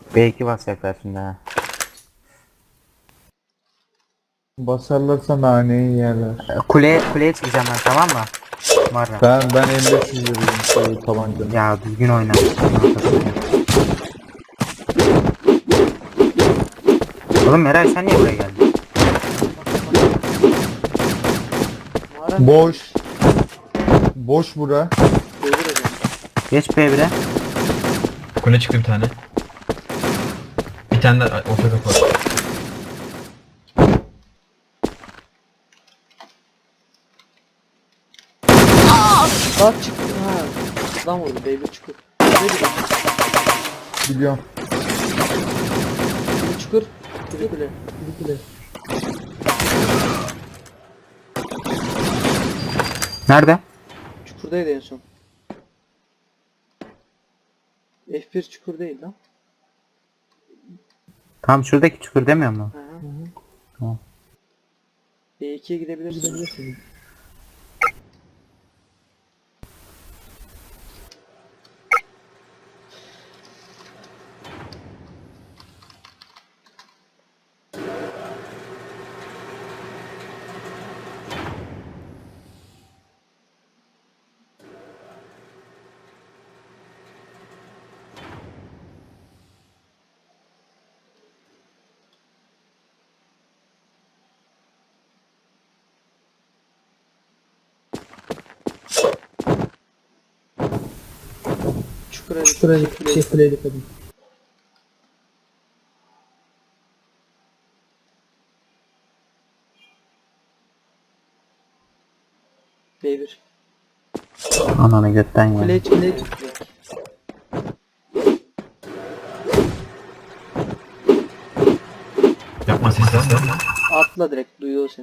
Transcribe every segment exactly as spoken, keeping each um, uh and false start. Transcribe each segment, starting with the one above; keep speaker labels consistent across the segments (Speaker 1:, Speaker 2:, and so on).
Speaker 1: B iki basacaklar şimdi ha.
Speaker 2: Basarlarsa naneyi yerler.
Speaker 1: Kuleye, kuleye çıkacağım ben, tamam mı? Var ya.
Speaker 2: Ben ben M beş yüz veriyorum şey tabancanı.
Speaker 1: Ya düzgün oyna. Oğlum Meral sen niye buraya geldin?
Speaker 2: Boş. Boş bura.
Speaker 1: Geç B bire.
Speaker 3: Kule çıktı bir tane. Bir tane de orta kapı var.
Speaker 4: Bak çıktı ha. Adam vurdu baby çukur. Baby
Speaker 2: Biliyorum.
Speaker 4: çukur. Kule kule. Kule kule.
Speaker 1: Nerede?
Speaker 4: Çukurdaydı en son. F bir çukur değil lan.
Speaker 1: Tam şuradaki çukur demiyor mu?
Speaker 4: Hı hı.
Speaker 1: Tamam.
Speaker 4: B ikiye gidebilirsin. Gidebilirsin. Çukura
Speaker 5: Şuraya
Speaker 4: dikkat.
Speaker 5: şey kuleye dikkat edin.
Speaker 4: B bir.
Speaker 1: Ananı götten ya.
Speaker 4: Kuleye çık. Kuleye çık.
Speaker 3: Yapma sesi de.
Speaker 4: Atla direkt duyuyor seni.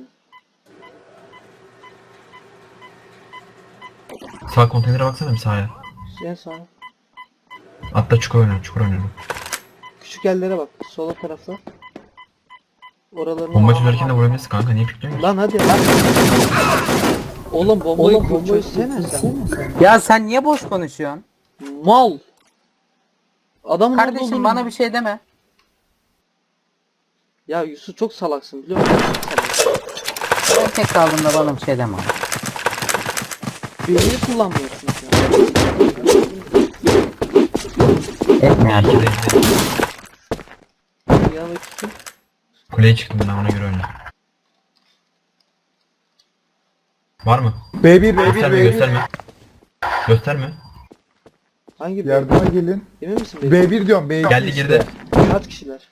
Speaker 3: Sağ konteynere baksana bir sağa.
Speaker 4: En sağ.
Speaker 3: Hatta çukur oynuyorum, çukur oynuyorum.
Speaker 4: Küçük yerlere bak. Sola tarafta. Oralarına
Speaker 3: Bomba çözerken de vurabilirsin kanka, niye pikliyorsun?
Speaker 4: Lan hadi lan. Oğlum bombayı, Oğlum, bombayı çözsene sen.
Speaker 1: Ya sen niye boş konuşuyorsun?
Speaker 4: Mal. Adamın orada
Speaker 1: Kardeşim
Speaker 4: olduğunu-
Speaker 1: bana bir şey deme.
Speaker 4: Ya Yusuf çok salaksın biliyor musun?
Speaker 1: Ben tek kaldığımda bana bir şey deme.
Speaker 4: Beynini kullanmıyorsun sen.
Speaker 1: Etme
Speaker 3: İyi ki
Speaker 1: artık.
Speaker 3: de işte.
Speaker 4: Ya bakayım.
Speaker 3: Kuleye çıktım ben, ona göre oyna. Var mı?
Speaker 2: B bir B bir
Speaker 3: Gösterme,
Speaker 2: B bir.
Speaker 3: gösterme. Gösterme.
Speaker 4: Hangi bir?
Speaker 2: Yardıma gelin.
Speaker 4: Emin misin? B bir?
Speaker 2: B bir diyorum B iki
Speaker 3: Geldi
Speaker 2: işte.
Speaker 3: girdi.
Speaker 4: Kaç kişiler?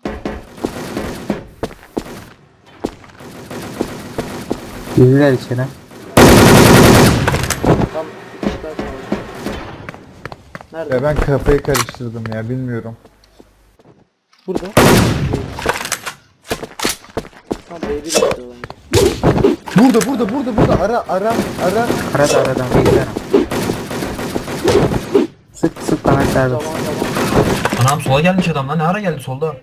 Speaker 1: Girdiler içeri.
Speaker 4: Tam iki kişiler kaldı. Nerede?
Speaker 2: Ya ben kafayı karıştırdım ya bilmiyorum.
Speaker 4: Burada. Tam B bir istiyor bence.
Speaker 2: Burada burada burada burada ara ara ara.
Speaker 1: Arada aradan beklerim. Sık sık bana servis.
Speaker 4: Tamam tamam.
Speaker 3: Anam sola gelmiş adam lan, ne ara geldi solda?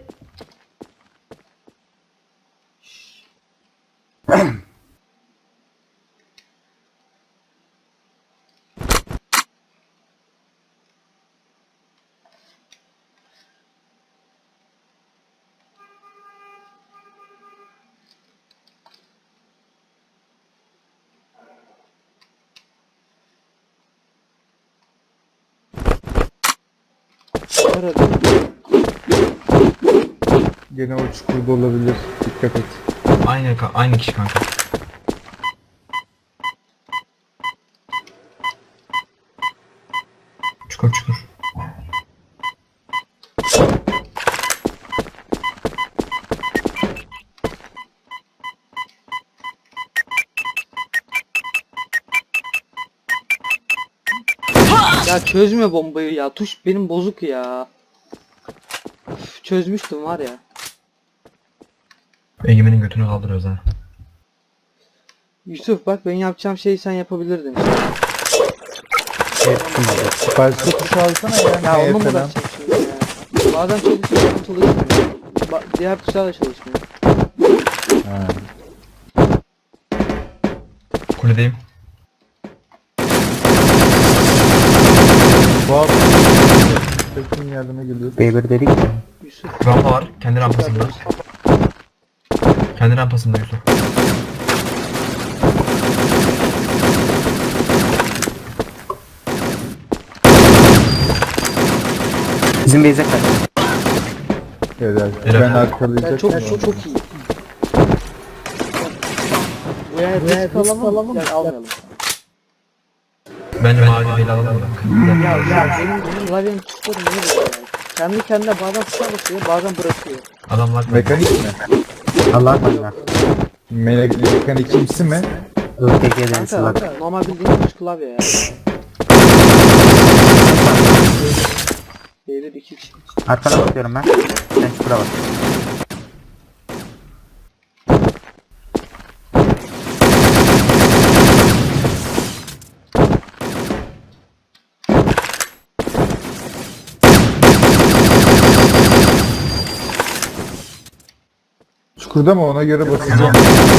Speaker 4: Nerede?
Speaker 2: Gene o çukurda olabilir. Dikkat et.
Speaker 3: Aynı ka- aynı kişi kanka. Çukur çukur.
Speaker 4: Ya çözme bombayı ya. Tuş benim bozuk ya. Üf, çözmüştüm var ya.
Speaker 3: Egemen'in götünü kaldırıyoruz ha.
Speaker 4: Yusuf bak ben yapacağım şeyi sen yapabilirdin.
Speaker 1: Ettim
Speaker 2: Başka tuş alsana ya.
Speaker 4: Ya
Speaker 2: Neye
Speaker 4: onu mu
Speaker 2: falan.
Speaker 4: uğraşacağım şimdi ya? Bazen çalışıyor, bazen çalışmıyor. Ba diğer tuşlar da çalışmıyor.
Speaker 2: Ha.
Speaker 3: Kuledeyim.
Speaker 2: Bu abi Tekin yardıma geliyor.
Speaker 1: B bir dedik ya.
Speaker 4: Yusuf.
Speaker 3: Rampa var. Kendi rampasında. Kendi rampasında Yusuf.
Speaker 1: Bizim base'e kaç.
Speaker 2: Evet,
Speaker 3: Helal.
Speaker 2: ben arkalayacak.
Speaker 4: Ya çok çok çok iyi. Bu yani risk alamam. Yani almayalım.
Speaker 3: Bence mavi beyli alalım da.
Speaker 4: Ya ya benim benim klavyenin tuşları niye böyle yani? Kendi kendine bazen tuşa basıyor, bazen bırakıyor.
Speaker 3: Adamlar
Speaker 2: Mekanik mi?
Speaker 1: Allah Allah.
Speaker 2: Me mekanik kimsi mi?
Speaker 1: Ö T G'den
Speaker 4: Kanka
Speaker 1: sılak.
Speaker 4: normal bildiğin tuş klavye ya. B bir iki kişi.
Speaker 1: Arkana bakıyorum ben. Sen çukura bak.
Speaker 2: Çukurda mı, ona göre basacağım.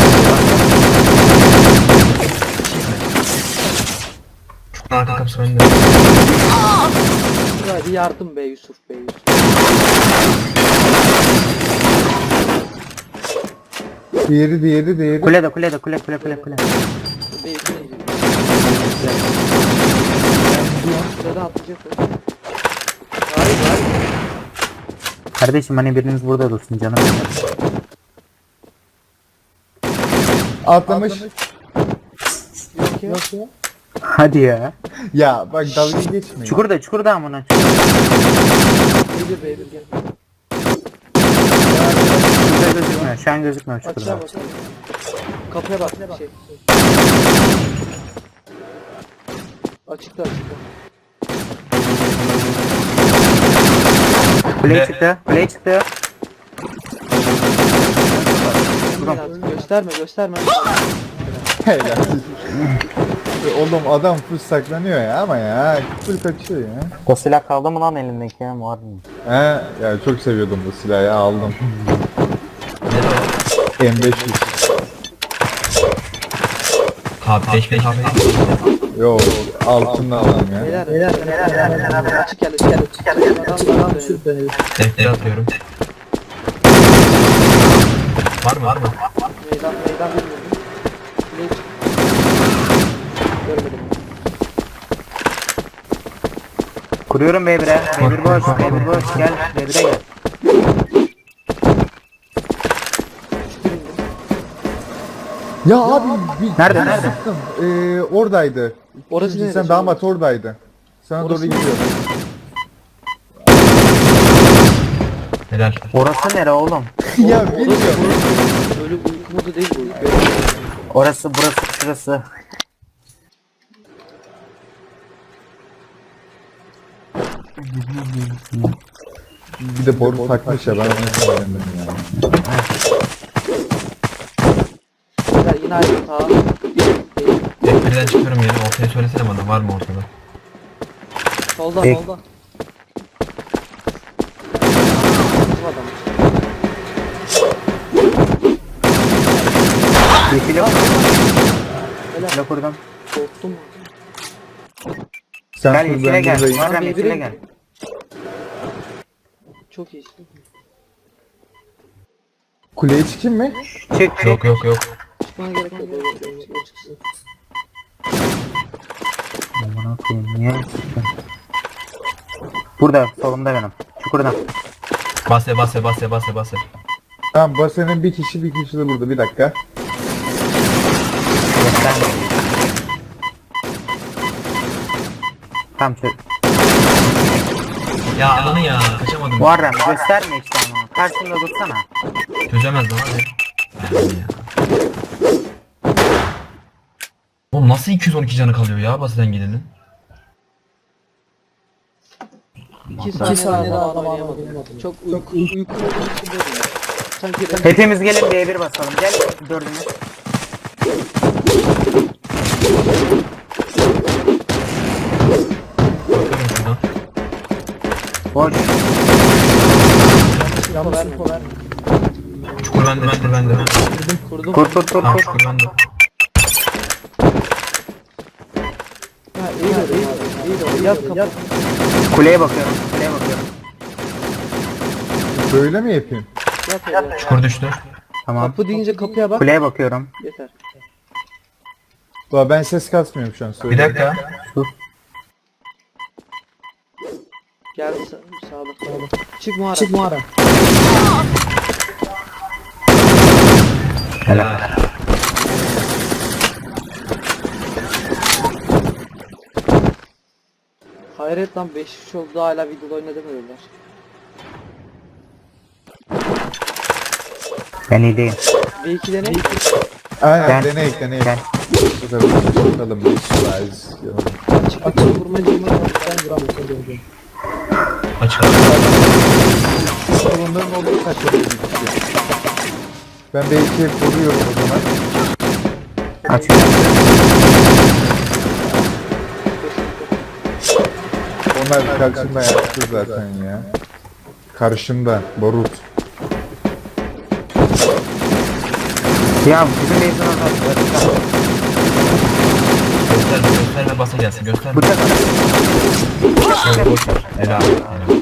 Speaker 3: Çukurun arka kapısı bende.
Speaker 4: Hadi yardım be Yusuf be Yusuf.
Speaker 2: Diğeri diğeri diğeri.
Speaker 1: Kulede kulede kule kule kule kule.
Speaker 4: B iki neydi? Şurada atlayacak o. Hayır hayır.
Speaker 1: Kardeşim hani biriniz burada dursun canım.
Speaker 2: Atlamış.
Speaker 4: Yok ya. Yok ya.
Speaker 1: Hadi ya.
Speaker 2: Ya bak dalga geçmeyin.
Speaker 1: Çukurda çukurda amına.
Speaker 4: B bir B bir gel.
Speaker 1: Çukurda gözükmüyor. Şu an gözükmüyor çukurda.
Speaker 4: Açığa bak. Kapıya bak bir şey. Açıkta açıkta.
Speaker 1: Kuleye çıktı. Kuleye çıktı.
Speaker 4: Artık gösterme gösterme.
Speaker 2: Helal. Oğlum adam full saklanıyor ya ama ya. Full kaçıyor ya.
Speaker 1: O silah kaldı mı lan elindeki ya? Var mı?
Speaker 2: He ya, çok seviyordum bu silahı ya, aldım. M beş yüz.
Speaker 3: Abi beş beş abi.
Speaker 2: Yo, altında adam ya.
Speaker 4: Beyler beyler beyler beyler. Açık gel açık gel açık gel. Adam adam dönelim.
Speaker 3: Defteri atıyorum. Var mı var mı?
Speaker 4: Meydan meydan bilmiyorum. Ne çık? Görmedim.
Speaker 1: Kuruyorum B bir'e. B bir boş. B bir boş. Gel. B bir'e gel.
Speaker 2: Ya abi bir
Speaker 1: Nerede,
Speaker 2: bir
Speaker 1: nerede?
Speaker 2: sıktım. Ee, oradaydı.
Speaker 4: Orası
Speaker 2: Şimdi
Speaker 4: neresi?
Speaker 2: sen damat oradaydı. Sana
Speaker 4: Orası
Speaker 2: doğru
Speaker 4: neresi?
Speaker 2: gidiyor.
Speaker 3: Helal.
Speaker 1: Orası nere oğlum?
Speaker 2: Ya bilmiyorum.
Speaker 4: Böyle uyku modu değil bu.
Speaker 1: Orası burası şurası.
Speaker 2: Bir de boru takmış ya, ben onu söylemedim ya.
Speaker 4: Beyler yine aynı hata.
Speaker 3: Defterden çıkıyorum yeni. Ortaya söylesene bana, var mı ortada?
Speaker 4: Solda
Speaker 1: Ek-
Speaker 4: solda. Bizim adam.
Speaker 1: Yeşil yok. Yeşile kurdum.
Speaker 4: Korktum.
Speaker 2: Sen
Speaker 1: Gel
Speaker 2: dur,
Speaker 1: yeşile
Speaker 2: ben
Speaker 1: gel.
Speaker 2: buradayım.
Speaker 1: Muharrem
Speaker 4: Ben
Speaker 1: yeşile
Speaker 4: birbirine-
Speaker 1: gel.
Speaker 4: Çok iyi.
Speaker 2: Kuleye çıkayım mı?
Speaker 1: Çık çık.
Speaker 3: Yok yok yok.
Speaker 4: Çıkmana gerek yok. Öyle o çıksın.
Speaker 1: Aman koyayım niye çıktın? Burada solumda benim. Çukurda.
Speaker 3: Base base base base base.
Speaker 2: Tamam, basenin bir kişi bir kişi de burada, bir dakika.
Speaker 1: Gösterme. Tamam çök.
Speaker 3: Ya ananı ya, kaçamadım.
Speaker 1: Muharrem gösterme işte ama. Karşında dursana.
Speaker 3: Çözemez lan hadi. Aynen ya. Oğlum nasıl iki yüz on iki canı kalıyor ya baseden gidenin?
Speaker 4: İki saniye daha adam oynayamadım. Çok uyku uyku modu içindeydim. Sanki ben
Speaker 1: Hepimiz gelin B bir basalım. Gel dördümüz.
Speaker 3: Bakıyorum şuradan.
Speaker 1: Boş.
Speaker 4: info verme.
Speaker 3: Çukur bende, çukur bende.
Speaker 4: Kurdum.
Speaker 1: Kur kur kur
Speaker 3: Tamam
Speaker 1: kur.
Speaker 3: çukur bende.
Speaker 4: Ha iyi de iyi de iyi de yaz kapı.
Speaker 1: Kuleye bakıyorum. Kuleye bakıyorum.
Speaker 2: Böyle mi yapayım?
Speaker 4: Yap öyle. yap.
Speaker 3: Çukur düştü.
Speaker 1: Tamam.
Speaker 4: Kapı deyince kapıya bak.
Speaker 1: Kuleye bakıyorum.
Speaker 4: Yeter.
Speaker 2: Ulan ben ses kasmıyorum şu an.
Speaker 3: Bir
Speaker 2: Söyle.
Speaker 3: dakika.
Speaker 4: Gel sa- sağda. Sağda. Çık mağara. Çık mağara.
Speaker 3: Helal.
Speaker 4: Hayret lan beş üç oldu da hala videoda oynadamıyorlar.
Speaker 1: Ben iyi değilim.
Speaker 4: B iki ne?
Speaker 2: Aynen
Speaker 1: Gel.
Speaker 2: deneyik deneyik.
Speaker 1: Gel.
Speaker 2: Bu sefer bakalım bir slice.
Speaker 4: Açık açık vurma cimri var. Ben vuramıyorum.
Speaker 3: Açık.
Speaker 2: Bunların olduğu kaçırdı bir kişi. Ben B iki'ye koruyorum o zaman.
Speaker 1: Açıyorum.
Speaker 2: Onlar karşımda yaptı zaten ya. Karşımda Barut.
Speaker 1: Ya bizim mezun adam.
Speaker 3: Gösterme gösterme basa gelsin gösterme.
Speaker 1: Bıçak at.
Speaker 3: Evet, boş ver. Helal. Helal.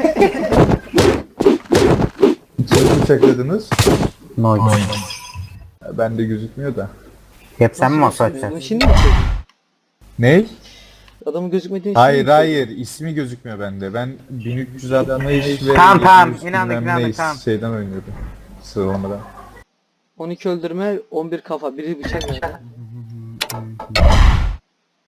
Speaker 2: Siz bıçakladınız.
Speaker 1: No.
Speaker 3: Noy.
Speaker 2: Bende gözükmüyor da.
Speaker 1: Hep sen mi masa
Speaker 4: Bunu
Speaker 1: açacaksın?
Speaker 4: şimdi mi çektin?
Speaker 2: Ney?
Speaker 4: Adamın gözükmediğini
Speaker 2: Hayır
Speaker 4: şimdi mi
Speaker 2: hayır ismi gözükmüyor bende. Ben bin üç yüz altmış ve
Speaker 1: Tamam, tamam.
Speaker 2: yedi yüz
Speaker 1: İnandık,
Speaker 2: bilmem
Speaker 1: inandık,
Speaker 2: ne
Speaker 1: tamam.
Speaker 2: şeyden oynuyordum. Sıralamadan.
Speaker 4: on iki öldürme, on bir kafa, biri bıçak nerede?